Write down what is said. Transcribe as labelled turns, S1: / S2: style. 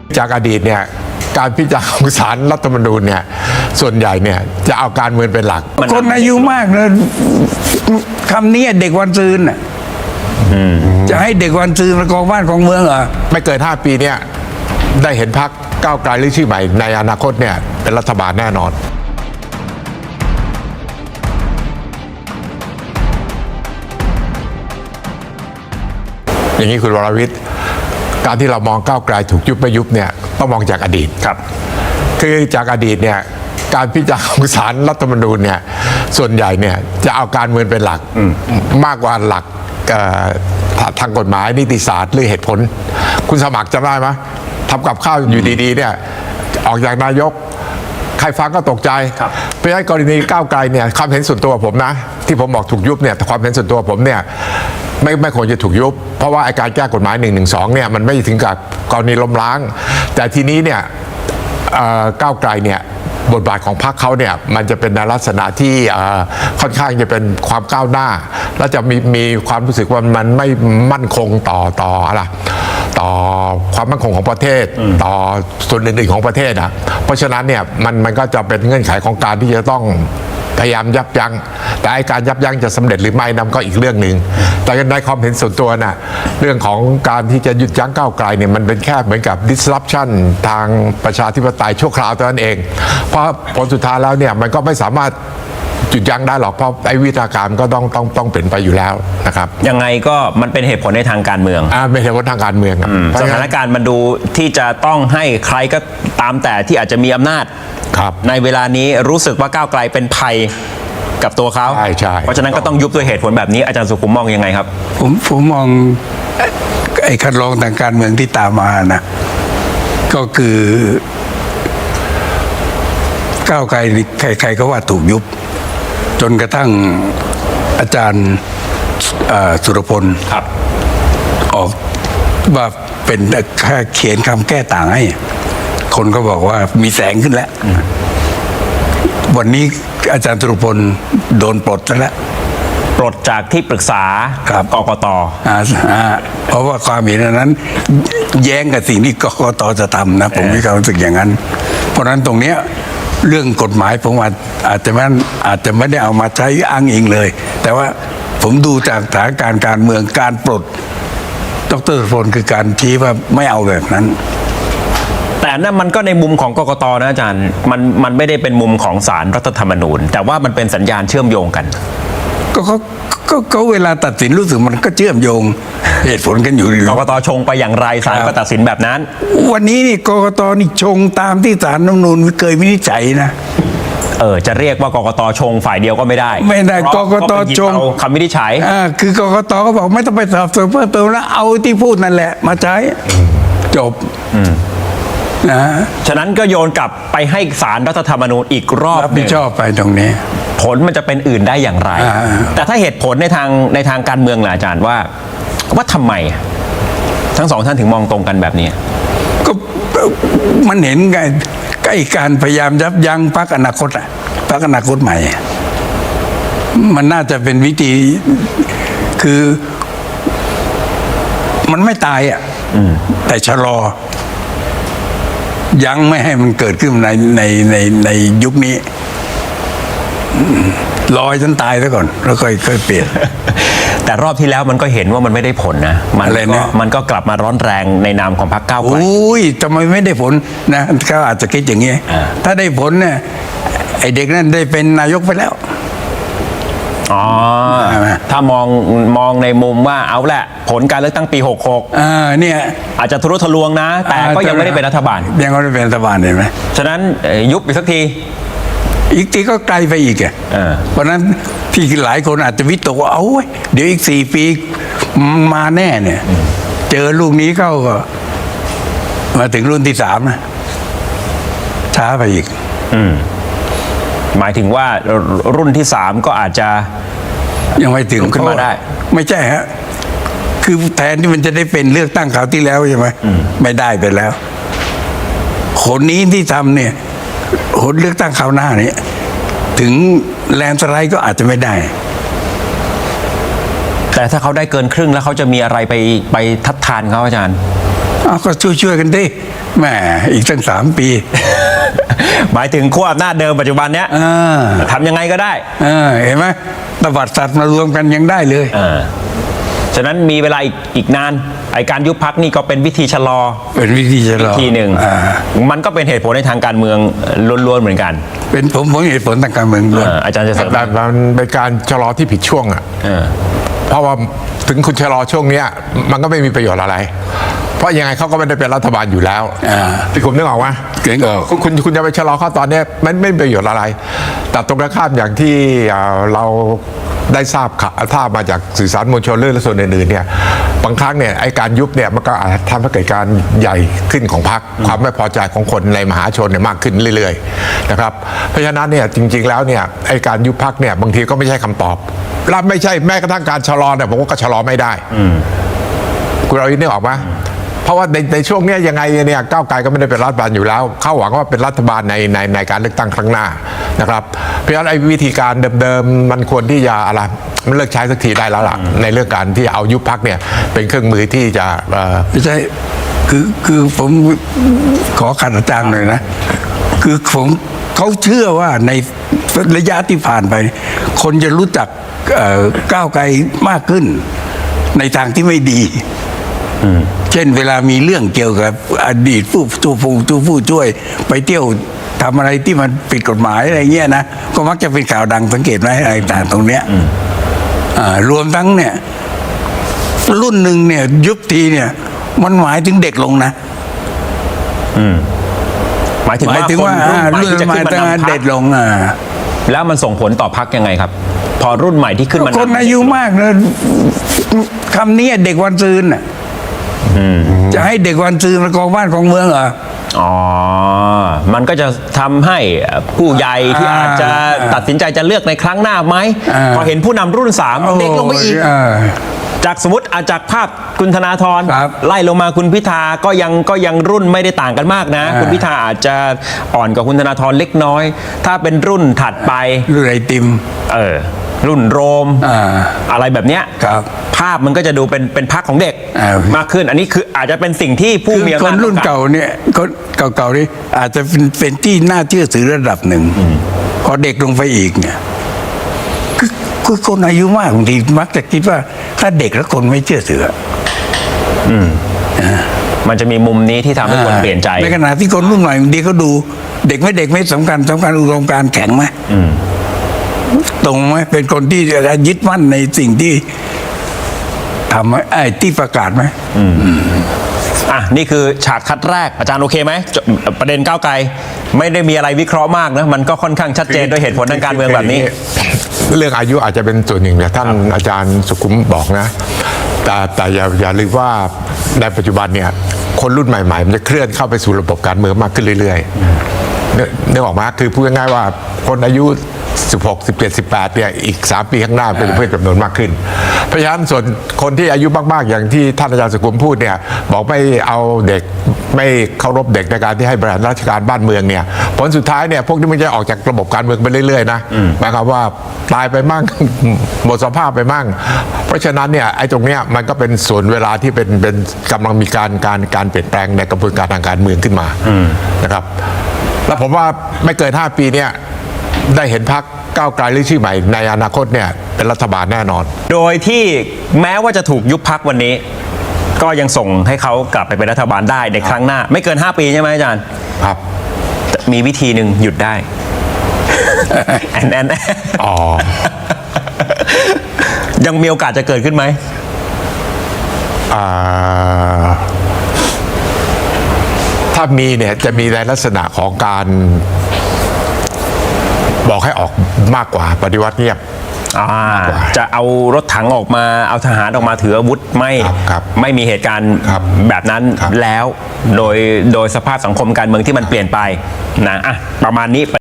S1: จากอดีตเนี่ยการพิจารณาของศาลรัฐธรรมนูญเนี่ยส่วนใหญ่เนี่ยจะเอาการเมืองเป็นหลัก
S2: คนอายุมากเลยคำนี้เด็กวันซืนจะให้เด็กวันซืนมากองบ้านของเมืองเหรอ
S1: ไม่เกิน5 ปีเนี่ยได้เห็นพรรคก้าวไกลหรือชื่อใหม่ในอนาคตเนี่ยเป็นรัฐบาลแน่นอนอย่างนี้คุณวรวิทย์การที่เรามองก้าวไกลถูกยุบไม่ยุบเนี่ยต้องมองจากอดีต
S3: ครับ
S1: คือจากอดีตเนี่ยการพิจารณาของศาลรัฐธรรมนูญเนี่ยส่วนใหญ่เนี่ยจะเอาการเมืองเป็นหลักมากกว่าหลักทางกฎหมายนิติศาสตร์หรือเหตุผลคุณสมัครจำได้ไหมทำกับข้าวอยู่ดีๆเนี่ยออกจากนายกใครฟังก็ตกใจเพราะฉะนั้นกรณีก้าวไกลเนี่ยความเห็นส่วนตัวผมนะที่ผมบอกถูกยุบเนี่ยความเห็นส่วนตัวผมเนี่ยไม่ควรจะถูกยุบเพราะว่าการแก้กฎหมาย112เนี่ยมันไม่ถึงกับกรณีล้มล้างแต่ทีนี้เนี่ยก้าวไกลเนี่ยบทบาทของพรรคเขาเนี่ยมันจะเป็นในลักษณะที่ค่อนข้างจะเป็นความก้าวหน้าและจะมีความรู้สึกว่ามันไม่มั่นคงต่ออะไรต่อความมั่นคงของประเทศต่อส่วนอื่นๆของประเทศอ่ะเพราะฉะนั้นเนี่ยมันก็จะเป็นเงื่อนไขของการที่จะต้องพยายามยับยั้งแต่การยับยั้งจะสำเร็จหรือไม่นั่นก็อีกเรื่องหนึ่งแต่ในความเห็นส่วนตัวน่ะเรื่องของการที่จะหยุดยั้งก้าวไกลเนี่ยมันเป็นแค่เหมือนกับ disruption ทางประชาธิปไตยชั่วคราวเท่านั้นเองเพราะผลสุดท้ายแล้วเนี่ยมันก็ไม่สามารถหยุดยั้งได้หรอกเพราะไอ้วิธีการก็ต้องเปลี่ยนไปอยู่แล้วนะครับ
S3: ยังไงก็มันเป็นเหตุผลในทางการเมือง
S1: เป็นเหตุผลทางการเมือง
S3: สถานการณ์มันดูที่จะต้องให้ใครก็ตามแต่ที่อาจจะมีอำนาจในเวลานี้รู้สึกว่าก้าวไกลเป็นภัยกับตัวเขา
S1: ใช่
S3: เพราะฉะนั้นก็ต้องยุบด้วยเหตุผลแบบนี้อาจารย์สุขุมมองยังไงครับ
S2: ผมมองไอ้คัดลองทางการเมืองที่ตามมานะก็คือก้าวไกลใครๆก็ว่าถูกยุบจนกระทั่งอาจารย์สุรพลออกว่าเป็นแค่เขียนคำแก้ต่างให้คนก็บอกว่ามีแสงขึ้นแล้ววันนี้อาจารย์สุรพลโดนปลดแล้ว
S3: ปลดจากที่ปรึกษา กกต.
S2: เพราะว่าความเห็นนั้นแย้งกับสิ่งที่กกต.จะทำนะผมมีความรู้สึกอย่างนั้นเพราะฉะนั้นตรงเนี้ยเรื่องกฎหมายผมอาจจะไม่ได้เอามาใช้อ้างอิงเลยแต่ว่าผมดูจากสถานการณ์การเมืองการปลดดร.สุรพลคือการชี้ว่าไม่เอาแบบนั้น
S3: แต่นั่นมันก็ในมุมของกกต.นะอาจารย์มันไม่ได้เป็นมุมของศาลรัฐธรรมนูญแต่ว่ามันเป็นสัญญาณเชื่อมโยงกัน
S2: ก็เวลาตัดสินรู้สึกมันก็เชื่อมโยงเหตุผลกันอยู่
S3: กกต.ชงไปอย่างไรศาลก็ตัดสินแบบนั้น
S2: วันนี้นี่กกต.นี่ชงตามที่ศาลรัฐธรรมนูญเคยวินิจฉัยนะ
S3: จะเรียกว่ากกต.ชงฝ่ายเดียวก็ไม่ได้
S2: กกต.ชง
S3: คำวินิจฉัย
S2: คือกกต.ก็บอกไม่ต้องไปสอบสวนเพิ่มเติมแล้วเอาที่พูดนั่นแหละมาใช้จบ
S3: ฉะนั้นก็โยนกลับไปให้ศาลรัฐธรรมนูญอีกรอบ
S2: รับผิดชอบไปตรงนี้
S3: ผลมันจะเป็นอื่นได้อย่างไรแต่ถ้าเหตุผลในทางการเมืองล่ะอาจารย์ว่าทำไมทั้งสองท่านถึงมองตรงกันแบบนี้
S2: ก็มันเห็นไงใกล้การพยายามยับยั้งพรรคอนาคตพรรคอนาคตใหม่มันน่าจะเป็นวิธีคือมันไม่ตายแต่ชะลอยังไม่ให้มันเกิดขึ้นในยุคนี้รอจนตายซะก่อนแล้วค่อยเปลี่ยน
S3: แต่รอบที่แล้วมันก็เห็นว่ามันไม่ได้ผลนะมันก็กลับมาร้อนแรงในนามของพรรคก้าวไกล
S2: ทำไมไม่ได้ผลนะเขาอาจจะคิดอย่างนี้ถ้าได้ผลเนี่ยไอเด็กนั้นได้เป็นนายกไปแล้ว
S3: ถ้ามองในมุมว่าเอาแหละผลการเลือกตั้งปี66
S2: เนี่ย
S3: อาจจะทะลุทะลวงนะแต่ก็ยังไม่ได้เป็นรัฐบาล
S2: ยังไม่ได้เป็นรัฐบาลเห็นไหม
S3: ฉะนั้นยุบอีกสักที
S2: อีกทีก็ไกลไปอีกเพราะนั้นที่หลายคนอาจจะวิตกว่าเดี๋ยวอีก4 ปีมาแน่เนี่ยเจอลูกนี้เข้าก็มาถึงรุ่นที่3นะช้าไปอีก
S3: หมายถึงว่ารุ่นที่3ก็อาจจะ
S2: ยังไม่ถึง
S3: ขึ้นมาได้
S2: ไม่ใช่ฮะคือแทนที่มันจะได้เป็นเลือกตั้งคราวที่แล้วใช่ไหมไม่ได้ไปแล้วคนนี้ที่ทำเนี่ยคนเลือกตั้งคราวหน้านี้ถึงแลนด์สไลด์ก็อาจจะไม่ได้
S3: แต่ถ้าเขาได้เกินครึ่งแล้วเขาจะมีอะไรไปทัดทานเขาอาจารย์
S2: เอาก็ช่วยกันดิแหมอีกตั้ง3 ปี
S3: หมายถึงขั้วอำนาจเดิมปัจจุบันเนี้ยทำยังไงก็ได้
S2: เห็นไหมตบัดสัตว์มารวมกันยังได้เลย
S3: ฉะนั้นมีเวลาอีกนานไอการยุบพักนี่ก็เป็นวิธีชะลอ
S2: เป็นวิธีชะลอ
S3: วิธีหนึ่งมันก็เป็นเหตุผลในทางการเมืองล้วนๆเหมือนกัน
S2: เป็นผมเหตุผลทางการเมืองล้วน
S3: อาจารย์จะเสริม
S1: แต่มันเป็นการชะลอที่ผิดช่วงอ่ะเพราะว่าถึงคุณชะลอช่วงเนี้ยมันก็ไม่มีประโยชน์อะไร เพราะยังไงเขาก็ไม่ได้เป็นรัฐบาลอยู่แล้วพี่คุมนึกออกไหม
S2: เก่งออก
S1: คุณจะไปชะลอเขาตอนเนี้ยมันไม่มีประโยชน์อะไร แต่ตรงกันข้ามอย่างที่เราได้ทราบมาจากสื่อสารมวลชนเรื่องและส่วนอื่นๆเนี่ยบางครั้งเนี่ยไอ้การยุบเนี่ยมันก็อาจทำให้เกิดการใหญ่ขึ้นของพรรคความไม่พอใจของคนในมหาชนเนี่ยมากขึ้นเรื่อยๆนะครับเพราะฉะนั้นเนี่ยจริงๆแล้วเนี่ยไอ้การยุบพรรคเนี่ยบางทีก็ไม่ใช่คำตอบและไม่ใช่แม้กระทั่งการชะลอเนี่ยผมว่าก็ชะลอไม่ได้คุณเรานึกออกไหมเพราะว่าในช่วงนี้ยังไงเนี่ยก้าวไกลก็ไม่ได้เป็นรัฐบาลอยู่แล้วเขาหวังว่าเป็นรัฐบาลในการเลือกตั้งครั้งหน้านะครับเพราะฉะนั้นไอ้วิธีการเดิมๆมันควรที่จะอะไรมันเลิกใช้สักทีได้แล้วล่ะในเรื่องการที่เอายุบพรรคเนี่ยเป็นเครื่องมือที่จะ
S2: ไม่ใช่คือผมขอขัดอาจารย์หน่อยนะคือเขาเชื่อว่าในระยะที่ผ่านไป คนจะรู้จักก้าวไกลมากขึ้นในทางที่ไม่ดีเช่นเวลามีเรื่องเกี่ยวกับอดีตผู้ช่วยไปเที่ยวทำอะไรที่มันผิดกฎหมายอะไรเงี้ยนะก็มักจะเป็นข่าวดังสังเกตไหมอะไรต่างตรงเนี้ยรวมทั้งเนี่ยรุ่นหนึ่งเนี่ยยุบทีเนี่ยมันหมายถึงเด็กลงนะ
S3: หมายถึงว่ารุ่นใหม่ที่จะขึ้นมานำพรรค
S2: เด็กลง
S3: แล้วมันส่งผลต่อพรรคยังไงครับ พอรุ่นใหม่ที่ขึ้นมา
S2: คนอายุมากเลยคำนี้เด็กวันซืนน่ะจะให้เด็กวันซืนมากองบ้านของเมืองเหรอ
S3: มันก็จะทำให้ผู้ใหญ่ที่อาจจะตัดสินใจจะเลือกในครั้งหน้าไหมพอเห็นผู้นำรุ่น3เด็กลงไปอีกจากสมมติจากภาพคุณธนาธรไล่ลงมาคุณพิธาก็ยังรุ่นไม่ได้ต่างกันมากนะคุณพิธาอาจจะอ่อนกว่าคุณธนาธรเล็กน้อยถ้าเป็นรุ่นถัดไป
S2: รุ่นไอติม
S3: รุ่นโรมอะไรแบบเนี้ยภาพมันก็จะดูเป็นพรรคของเด็กมากขึ้นอันนี้คืออาจจะเป็นสิ่งที่ผู้มีอำนาจ
S2: คนรุ่นเก่าเนี่ยคนเก่าๆนี่อาจจะเป็นที่น่าเชื่อถือระดับหนึ่งพอเด็กลงไปอีกเนี่ยคือคนอายุมากบางทีมักจะคิดว่าถ้าเด็กแล้วคนไม่เชื่อถือ
S3: มันจะมีมุมนี้ที่ทำให้คนเปลี่ยนใจ
S2: ในขณะที่คนรุ่นใหม่บางทีเขาดูเด็กไม่สำคัญอุดมการณ์แข็งไหมตรงไหมเป็นคนที่จะยึดมั่นในสิ่งที่ทำไอ้ที่ประกาศไหม
S3: นี่คือฉากคัดแรกอาจารย์โอเคไหมประเด็นก้าวไกลไม่ได้มีอะไรวิเคราะห์มากนะมันก็ค่อนข้างชัดเจนด้วยเหตุผลทางการเมืองแบบนี้
S1: เรื่องอายุอาจจะเป็นส่วนหนึ่งแต่ท่านอาจารย์สุขุมบอกนะแต่อย่าลืมว่าในปัจจุบันเนี่ยคนรุ่นใหม่ๆมันจะเคลื่อนเข้าไปสู่ระบบการเมืองมากขึ้นเรื่อยๆนึกออกมาคือพูดง่ายๆว่าคนอายุ16 17 18เนี่ยอีก3 ปีข้างหน้าเป็นเพื่อนจำนวนมากขึ้นเพราะฉะนั้นส่วนคนที่อายุมากๆอย่างที่ท่านอาจารย์สุขุมพูดเนี่ยบอกไม่เอาเด็กไม่เคารพเด็กในการที่ให้บริหารราชการบ้านเมืองเนี่ยผลสุดท้ายเนี่ยพวกนี้มันจะออกจากระบบการเมืองไปเรื่อยๆนะหมายความว่าตายไปมั่ง หมดสภาพไปมั่งเพราะฉะนั้นเนี่ยไอ้ตรงเนี้ยมันก็เป็นส่วนเวลาที่เป็นกำลังมีการเปลี่ยนแปลงในกระบวนการทางการเมืองขึ้นมานะครับแล้วผมว่าไม่เกิน5 ปีเนี่ยได้เห็นพรรคก้าวไกลหรือชื่อใหม่ในอนาคตเนี่ยเป็นรัฐบาลแน่นอน
S3: โดยที่แม้ว่าจะถูกยุบพรรควันนี้ก็ยังส่งให้เขากลับไปเป็นรัฐบาลได้ในครั้งหน้าไม่เกิน5 ปีใช่ไหมอาจารย์
S1: ครับ
S3: มีวิธีหนึ่งหยุดได้ยังมีโอกาสจะเกิดขึ้นไหม
S1: ถ้ามีเนี่ยจะมีในลักษณะของการบอกให้ออกมากกว่าปฏิวัติเงียบ
S3: จะเอารถถังออกมาเอาทหารออกมาถืออาวุธไม่มีเหตุการณ์แบบนั้นแล้วโดยสภาพสังคมการเมืองที่มันเปลี่ยนไปนะประมาณนี้